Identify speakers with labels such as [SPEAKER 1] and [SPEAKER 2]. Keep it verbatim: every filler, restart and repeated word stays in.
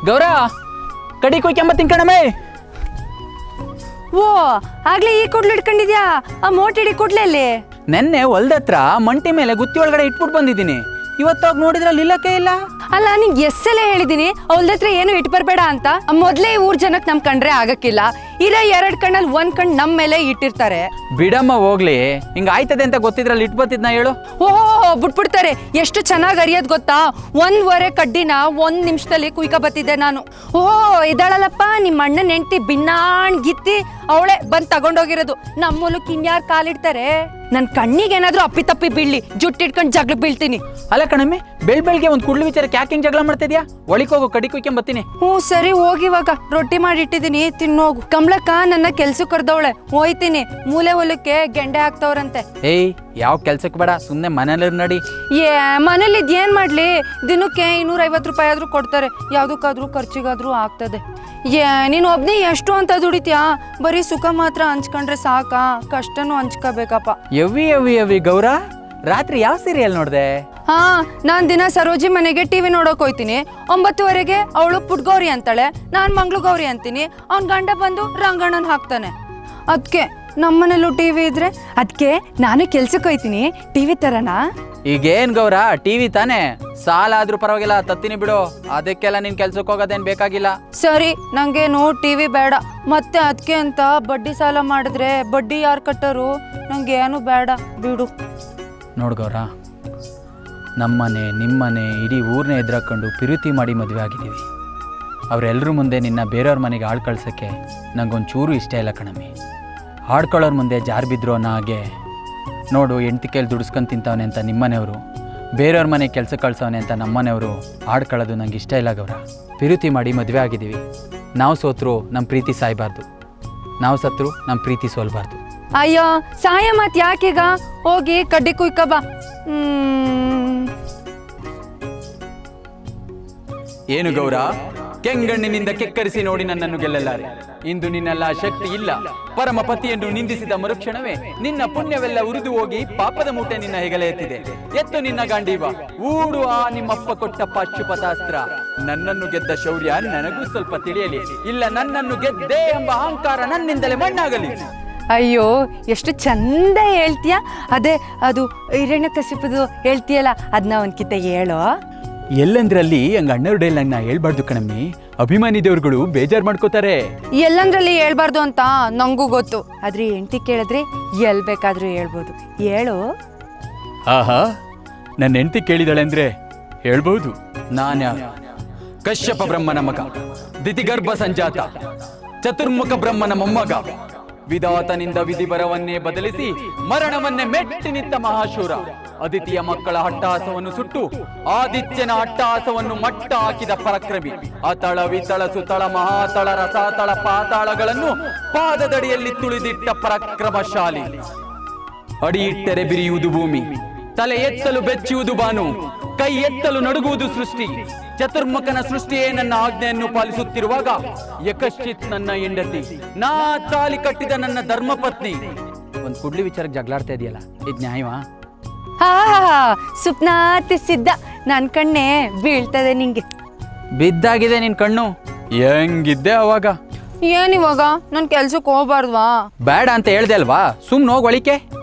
[SPEAKER 1] ಗೌರ ಕಡಿ ಕೊಯ್ಕೆಂಬತ್ತೀನಿ ಕಣಮೇ.
[SPEAKER 2] ಓ ಆಗ್ಲೇ ಈ ಕೊಡ್ಲು ಇಟ್ಕೊಂಡಿದ್ಯಾ? ಆ ಮೋಟಿಡಿ ಕೊಡ್ಲೆ ಅಲ್ಲಿ
[SPEAKER 1] ನೆನ್ನೆ ಹೊಲ್ದತ್ರ ಮಂಟಿ ಮೇಲೆ ಗುತ್ತಿ ಒಳಗಡೆ ಇಟ್ಬಿಟ್ಟು ಬಂದಿದ್ದೀನಿ. ಇವತ್ತಾಗ ನೋಡಿದ್ರಲ್ಲಿ ಇಲ್ಲಕ್ಕೆ ಇಲ್ಲ.
[SPEAKER 2] ಅಲ್ಲ ನಿಂಗೆ ಎಸ್ಸಲ ಹೇಳಿದೀನಿ ಅವಳದತ್ರ ಏನು ಇಟ್ಟು ಬರಬೇಡ ಅಂತ. ಮೊದಲೇ ಊರ್ ಜನಕ್ಕೆ ನಮ್ ಕಂಡ್ರೆ ಆಗಕ್ಕಿಲ್ಲ. ಇರ ಎರಡ್ ಕಣ್ಣಲ್ಲಿ ಒಂದ್ ಕಣ್ ನಮ್ ಮೇಲೆ ಇಟ್ಟಿರ್ತಾರೆ.
[SPEAKER 1] ಬಿಡಮ್ಮ ಹೋಗ್ಲಿ, ಹಿಂಗ ಆಯ್ತದೆ ಅಂತ ಗೊತ್ತಿದ್ರಲ್ಲಿ ಇಟ್ ಬತ್ತಿದ್ನ ಹೇಳು.
[SPEAKER 2] ಓಹೋ ಬಿಟ್ಬಿಡ್ತಾರೆ. ಎಷ್ಟು ಚೆನ್ನಾಗಿ ಅರಿಯೋದ್ ಗೊತ್ತಾ? ಒಂದ್ವರೆ ಕಡ್ಡಿನ ಒಂದ್ ನಿಮಿಷದಲ್ಲಿ ಕುಯ್ಕ ಬತ್ತಿದ್ದೆ ನಾನು. ಓಹೋ ಇದಾಳಲ್ಲಪ್ಪ ನಿಮ್ಮ ಅಣ್ಣನ ಹೆಂಡತಿ ಬಿನ್ನಾಣ್ ಗಿತ್ತಿ, ಅವಳೆ ಬಂದ್ ತಗೊಂಡೋಗಿರೋದು. ನಮ್ಮ ಮೂಲಕ್ ಇನ್ಯಾರು ಕಾಲಿಡ್ತಾರೆ? ನನ್ ಕಣ್ಣಿಗೆ ಏನಾದ್ರೂ ಅಪ್ಪಿ ತಪ್ಪಿ ಬೀಳ್ಲಿ, ಜುಟ್ಟಿಟ್ಕೊಂಡು ಜಗಳ ಬೀಳ್ತೀನಿ.
[SPEAKER 1] ಅಲ್ಲ ಕಣಮ್ಮೆ, ಬೆಳ್ ಬೆಳ್ಗೆ ಒಂದ್ ಕುಡ್ಲು ವಿಚಾರಕ್ಕೆ ಯಾಕೆ ಹಿಂಗ್ ಜಗಳ ಮಾಡ್ತಿದ್ಯಾ? ಒಳಿಕ್ ಹೋಗು, ಕಡಿ ಕೊಯ್ಕೊಂಬತ್ತೀನಿ.
[SPEAKER 2] ಹ್ಞೂ ಸರಿ ಹೋಗಿವಾಗ ರೊಟ್ಟಿ ಮಾಡಿ ಇಟ್ಟಿದ್ದೀನಿ, ತಿನ್ನೋಗು. ಕಮಲಕ್ಕ ನನ್ನ ಕೆಲ್ಸಕ್ಕೆ ಕರ್ದವಳೆ, ಹೋಯ್ತೀನಿ. ಮೂಲೆ ಹೊಲಕ್ಕೆ ಗೆಂಡೆ ಹಾಕ್ತವ್ರಂತೆ.
[SPEAKER 1] ಏಯ್ ಯಾವ ಕೆಲ್ಸಕ್ಕೆ ಬೇಡ, ಸುಮ್ನೆ ಮನೇಲಿ ನಡಿ.
[SPEAKER 2] ಏ ಮನೇಲಿ ಇದ್ ಏನ್ ಮಾಡ್ಲಿ? ದಿನಕ್ಕೆ ಇನ್ನೂರ ಐವತ್ತು ರೂಪಾಯಿ ಆದ್ರೂ ಕೊಡ್ತಾರೆ, ಯಾವ್ದಕ್ಕಾದ್ರೂ ಖರ್ಚಿಗಾದ್ರೂ ಆಗ್ತದೆ. ಏ ನೀನು ಒಬ್ನೇ ಎಷ್ಟು ಅಂತ ದುಡಿತ್ಯಾ? ಬರೀ ಸುಖ ಮಾತ್ರ ಹಂಚ್ಕೊಂಡ್ರೆ ಸಾಕಾ? ಕಷ್ಟನೂ ಹಂಚ್ಕೋಬೇಕಪ್ಪ.
[SPEAKER 1] ಯವಿ ಯವಿ ಯವಿ ಗೌರ, ರಾತ್ರಿ ಯಾವ ಸೀರಿಯಲ್ ನೋಡ್ದೆ?
[SPEAKER 2] ಹಾ ನಾನ್ ದಿನ ಸರೋಜಿ ಮನೆಗೆ ಟಿವಿ ನೋಡೋಕ್ ಹೋಯ್ತೀನಿ. ಒಂಬತ್ತುವರೆಗೆ ಅವಳು ಪುಟ್ಗೌರಿ ಅಂತಾಳೆ, ನಾನ್ ಮಂಗ್ಳು ಗೌರಿ ಅಂತೀನಿ. ಅವ್ನ್ ಗಂಡ ಬಂದು ರಂಗಣ್ಣನ್ ಹಾಕ್ತಾನೆ. ಅದ್ಕೆ ನಮ್ಮನೇಲೂ ಟಿವಿ ಇದ್ರೆ ಅದಕ್ಕೆ ನಾನು ಕೆಲ್ಸಕ್ಕೆ ಹೋಯ್ತೀನಿ. ಟಿವಿ ತರನಾ?
[SPEAKER 1] ಈಗೇನ್ ಗೌರ, ಟಿವಿ ತಾನೆ, ಸಾಲ ಆದ್ರೂ ಪರವಾಗಿಲ್ಲ, ತತ್ತೀನಿ ಬಿಡು. ಅದಕ್ಕೆಲ್ಲ ನಿನ್ ಕೆಲ್ಸಕ್ಕೆ ಹೋಗೋದೇನ್ ಬೇಕಾಗಿಲ್ಲ.
[SPEAKER 2] ಸರಿ ನಂಗೇನು ಟಿವಿ ಬೇಡ. ಮತ್ತೆ ಅದಕ್ಕೆ ಅಂತ ಬಡ್ಡಿ ಸಾಲ ಮಾಡಿದ್ರೆ ಬಡ್ಡಿ ಯಾರು ಕಟ್ಟರು? ನಂಗೇನು ಬೇಡ ಬಿಡು.
[SPEAKER 1] ನೋಡ್ ಗೌರ, ನಮ್ಮನೆ ನಿಮ್ಮನೆ ಇಡೀ ಊರ್ನೇ ಎದುರಾಕೊಂಡು ಪಿರುತಿ ಮಾಡಿ ಮದುವೆ ಆಗಿದ್ದೀವಿ. ಅವರೆಲ್ಲರ ಮುಂದೆ ನಿನ್ನ ಬೇರೆಯವ್ರ ಮನೆಗೆ ಆಳ್ ಕಳ್ಸೋಕ್ಕೆ ನಂಗೊಂಚೂರು ಇಷ್ಟ ಇಲ್ಲ ಕಣಮ್ಮಿ. ಆಡ್ಕೊಳ್ಳೋರ್ ಮುಂದೆ ಜಾರು ಬಿದ್ರು ಅನ್ನೋ ಹಾಗೆ ನೋಡು, ಹೆಂಡ್ತಿ ಕೈಲಿ ದುಡಿಸ್ಕೊಂಡು ತಿಂತವನೆ ಅಂತ ನಿಮ್ಮನೆಯವರು, ಬೇರೆಯವ್ರ ಮನೆಗೆ ಕೆಲಸ ಕಳ್ಸವನೆ ಅಂತ ನಮ್ಮನೆಯವರು ಆಡ್ಕೊಳ್ಳೋದು ನಂಗೆ ಇಷ್ಟ ಇಲ್ಲ ಗೌರ. ಪಿರುತಿ ಮಾಡಿ ಮದುವೆ ಆಗಿದ್ದೀವಿ. ನಾವು ಸೋತ್ರು ನಮ್ಮ ಪ್ರೀತಿ ಸಾಯಬಾರ್ದು, ನಾವು ಸತ್ರು ನಮ್ಮ ಪ್ರೀತಿ ಸೋಲ್ಬಾರ್ದು.
[SPEAKER 2] ಅಯ್ಯೋ ಸಾಯ ಮಾತ್ ಯಾಕೀಗ? ಹೋಗಿ ಕಡ್ಡಿ ಕುಯ್ಕ ಬಾ. ಹ್ಮ್
[SPEAKER 1] ಏನು ಗೌರ, ಕೆಂಗಣ್ಣಿನಿಂದ ಕೆಕ್ಕರಿಸಿ ನೋಡಿ ನನ್ನನ್ನು ಗೆಲ್ಲಲಾರೆ. ಇಂದು ನಿನ್ನೆಲ್ಲ ಶಕ್ತಿ ಇಲ್ಲ. ಪರಮ ಪತಿಯನ್ನು ನಿಂದಿಸಿದ ಮರುಕ್ಷಣವೇ ನಿನ್ನ ಪುಣ್ಯವೆಲ್ಲ ಉರಿದು ಹೋಗಿ ಪಾಪದ ಮೂಟೆ ನಿನ್ನ ಹೆಗಲ ಎತ್ತಿದೆ. ಎತ್ತು ನಿನ್ನ ಗಾಂಡೀವ, ಊಡು ಆ ನಿಮ್ಮಪ್ಪ ಕೊಟ್ಟ ಪಾಶುಪತಾಸ್ತ್ರ. ನನ್ನನ್ನು ಗೆದ್ದ ಶೌರ್ಯ ನನಗೂ ಸ್ವಲ್ಪ ತಿಳಿಯಲಿ, ಇಲ್ಲ ನನ್ನನ್ನು ಗೆದ್ದೆ ಎಂಬ ಅಹಂಕಾರ ನನ್ನಿಂದಲೇ ಮಣ್ಣಾಗಲಿ.
[SPEAKER 2] ಅಯ್ಯೋ ಎಷ್ಟು ಚಂದ ಹೇಳ್ತೀಯ. ಅದೇ ಅದು ಹಿರಣ್ಯಕಶಿಪುದು ಹೇಳ್ತೀಯಲ್ಲ, ಅದನ್ನ ಒಂದ್ಕಿತ ಹೇಳೋ.
[SPEAKER 1] ಎಲ್ಲಂದ್ರಲ್ಲಿ ಹಂಗ ಅಣ್ಣವ್ರ ಡೈಲ್ ನಾ ಹೇಳ್ಬಾರ್ದು ಕಣಮ್ಮಿ, ಅಭಿಮಾನಿ ದೇವ್ರುಗಳು ಬೇಜಾರ್ ಮಾಡ್ಕೋತಾರೆ.
[SPEAKER 2] ಎಲ್ಲಂದ್ರಲ್ಲಿ ಹೇಳ್ಬಾರ್ದು ಅಂತ ನಂಗೂ ಗೊತ್ತು, ಆದ್ರೆ ಹೆಂಡತಿ ಕೇಳಿದ್ರೆ ಎಲ್ ಬೇಕಾದ್ರೂ ಹೇಳ್ಬೋದು. ಹೇಳು.
[SPEAKER 1] ಆಹಾ, ನನ್ನ ಹೆಂಡತಿ ಕೇಳಿದಾಳೆ ಅಂದ್ರೆ ಹೇಳ್ಬಹುದು. ನಾನ ಕಶ್ಯಪ ಬ್ರಹ್ಮನ ಮಗ, ದಿತಿಗರ್ಭ ಸಂಜಾತ, ಚತುರ್ಮುಖ ಬ್ರಹ್ಮನ ಮೊಮ್ಮಗ. ವಿಧಾತನಿಂದ ವಿಧಿ ಬರವನ್ನೇ ಬದಲಿಸಿ ಮರಣವನ್ನೇ ಮೆಟ್ಟಿ ನಿಂತ ಮಹಾಶೂರ. ಅದಿತಿಯ ಮಕ್ಕಳ ಹಟ್ಟಹಾಸವನ್ನು ಸುಟ್ಟು ಆದಿತ್ಯನ ಅಟ್ಟಹಾಸವನ್ನು ಮಟ್ಟ ಹಾಕಿದ ಪರಾಕ್ರಮಿ. ಅತಳ ವಿತಳ ಸುತಳ ಮಹಾತಳ ರಸಾತಳ ಪಾತಾಳಗಳನ್ನು ಪಾದದಡಿಯಲ್ಲಿ ತುಳಿದಿಟ್ಟ ಪರಾಕ್ರಮಶಾಲಿ. ಅಡಿಯಿಟ್ಟರೆ ಬಿರಿಯುವುದು ಭೂಮಿ, ತಲೆ ಎತ್ತಲು ಬೆಚ್ಚುವುದು ಬಾನು, ಕೈ ಎತ್ತಲು ನಡುಗುವುದು ಸೃಷ್ಟಿ. ಚತುರ್ಮುಖನ ಸೃಷ್ಟಿಯೇ ನನ್ನ ಆಜ್ಞೆಯನ್ನು ಪಾಲಿಸುತ್ತಿರುವಾಗ ಯಕಶ್ಚಿತ್ ನನ್ನ ಹೆಂಡತಿ, ನಾ ತಾಲಿ ಕಟ್ಟಿದ ನನ್ನ ಧರ್ಮಪತ್ನಿ. ಒಂದ್ ಕುಡ್ಲಿ ವಿಚಾರಕ್ಕೆ ಜಗಳಾಡ್ತಾ ಇದೆಯಲ್ಲ, ಇದು ನ್ಯಾಯವಾ?
[SPEAKER 2] ಹಾ ಸುಪ್ನಾತಿ ಸಿದ್ಧ, ನನ್ ಕಣ್ಣೆ ಬೀಳ್ತದೆ ನಿಂಗೆ.
[SPEAKER 1] ಬಿದ್ದಾಗಿದೆ ನಿನ್ ಕಣ್ಣು. ಹೆಂಗಿದ್ದೆ ಅವಾಗ?
[SPEAKER 2] ಏನಿವಾಗ ನನ್ ಕೆಲ್ಸಕ್ಕೆ ಹೋಗ್ಬಾರ್ದ್ವಾ?
[SPEAKER 1] ಬೇಡ ಅಂತ ಹೇಳ್ದೆ ಅಲ್ವಾ, ಸುಮ್ನೆ ಹೋಗ್ ಒಳಿಕೆ.